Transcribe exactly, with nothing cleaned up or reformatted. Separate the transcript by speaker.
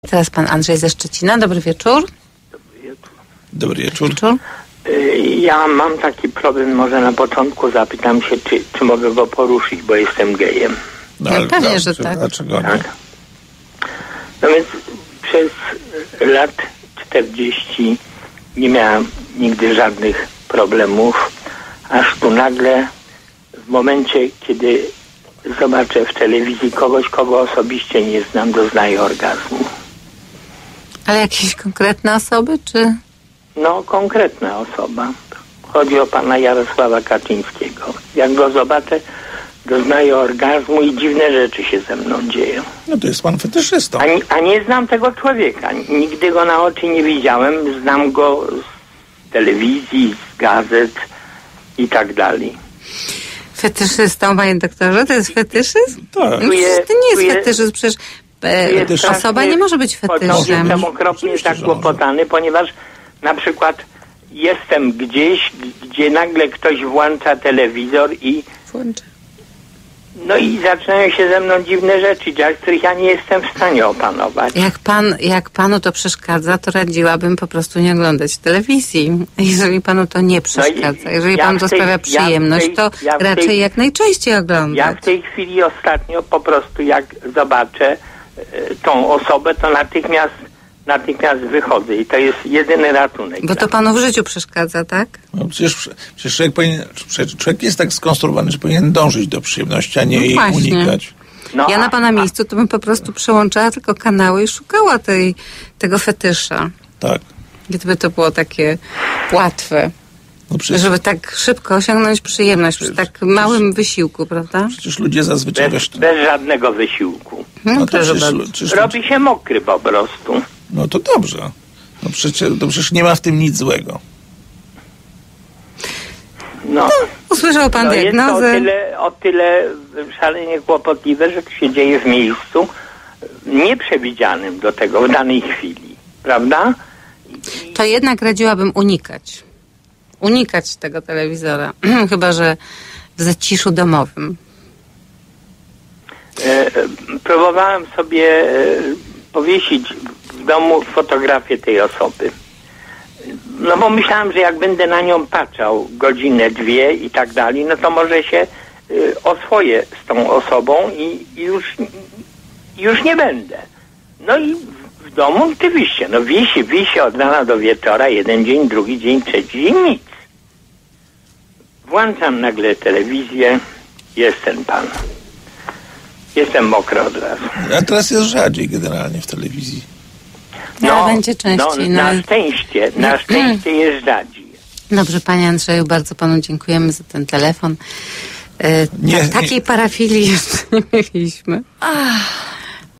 Speaker 1: Teraz pan Andrzej ze Szczecina. Dobry wieczór.
Speaker 2: Dobry wieczór.
Speaker 1: wieczór.
Speaker 3: Ja mam taki problem, może na początku zapytam się, czy, czy mogę go poruszyć, bo jestem gejem.
Speaker 1: No, no pewnie, no, że tak.
Speaker 2: Dlaczego
Speaker 3: tak? No więc przez lat czterdzieści nie miałem nigdy żadnych problemów, aż tu nagle w momencie, kiedy zobaczę w telewizji kogoś, kogo osobiście nie znam, doznaję orgazmu.
Speaker 1: Ale jakieś konkretne osoby, czy?
Speaker 3: No, konkretna osoba. Chodzi o pana Jarosława Kaczyńskiego. Jak go zobaczę, doznaję orgazmu i dziwne rzeczy się ze mną dzieją.
Speaker 2: No to jest pan fetyszystą.
Speaker 3: A, a nie znam tego człowieka. Nigdy go na oczy nie widziałem. Znam go z telewizji, z gazet i tak dalej.
Speaker 1: Fetyszystą, panie doktorze? To jest fetyszyzm?
Speaker 2: Tak.
Speaker 1: No, przecież to nie jest fetyszyzm. Przecież e, osoba nie może być fetyszem.
Speaker 3: Jestem okropnie zakłopotany, ponieważ na przykład jestem gdzieś, gdzie nagle ktoś włącza telewizor i
Speaker 1: Włącza.
Speaker 3: no i zaczynają się ze mną dziwne rzeczy, których ja nie jestem w stanie opanować.
Speaker 1: Jak pan, jak panu to przeszkadza, to radziłabym po prostu nie oglądać telewizji. Jeżeli panu to nie przeszkadza, no jeżeli ja panu to tej, sprawia przyjemność, ja tej, to ja raczej tej, jak najczęściej oglądać.
Speaker 3: Ja w tej chwili ostatnio po prostu jak zobaczę y, tą osobę, to natychmiast natychmiast wychodzę i to jest jedyny ratunek.
Speaker 1: Bo to panu w życiu przeszkadza, tak?
Speaker 2: No przecież, przecież człowiek, powinien, człowiek jest tak skonstruowany, że powinien dążyć do przyjemności, a nie no jej właśnie. unikać.
Speaker 3: No,
Speaker 1: ja na pana
Speaker 3: a,
Speaker 1: miejscu to bym po prostu przełączała tylko kanały i szukała tej, tego fetysza.
Speaker 2: Tak.
Speaker 1: Gdyby to było takie łatwe. No przecież, żeby tak szybko osiągnąć przyjemność przecież, przy tak małym przecież, wysiłku, prawda?
Speaker 2: Przecież ludzie zazwyczaj...
Speaker 3: Bez, bez żadnego wysiłku.
Speaker 1: No,
Speaker 2: no
Speaker 1: to
Speaker 2: przecież,
Speaker 3: przecież robi się mokry po prostu.
Speaker 2: No to dobrze. No przecież, to przecież nie ma w tym nic złego.
Speaker 3: No,
Speaker 1: no usłyszał pan
Speaker 3: no
Speaker 1: diagnozę.
Speaker 3: Jest to o tyle, o tyle szalenie kłopotliwe, że to się dzieje w miejscu nieprzewidzianym do tego w danej chwili. Prawda?
Speaker 1: I... To jednak radziłabym unikać. Unikać tego telewizora. Chyba że w zaciszu domowym.
Speaker 3: E, próbowałem sobie e, powiesić w domu fotografię tej osoby. No bo myślałem, że jak będę na nią patrzał godzinę, dwie i tak dalej, no to może się y, oswoję z tą osobą i, i już, już nie będę. No i w, w domu oczywiście, no wisi, wisi od rana do wieczora, jeden dzień, drugi dzień, trzeci dzień, nic. Włączam nagle telewizję, jest ten pan. Jestem mokry od razu.
Speaker 2: A teraz jest rzadziej generalnie w telewizji.
Speaker 1: No, ale będzie częściej.
Speaker 3: No, na szczęście, na szczęście jest rzadziej.
Speaker 1: Dobrze, panie Andrzeju, bardzo panu dziękujemy za ten telefon. E, nie, ta, takiej nie. parafilii jeszcze nie mieliśmy. Ach.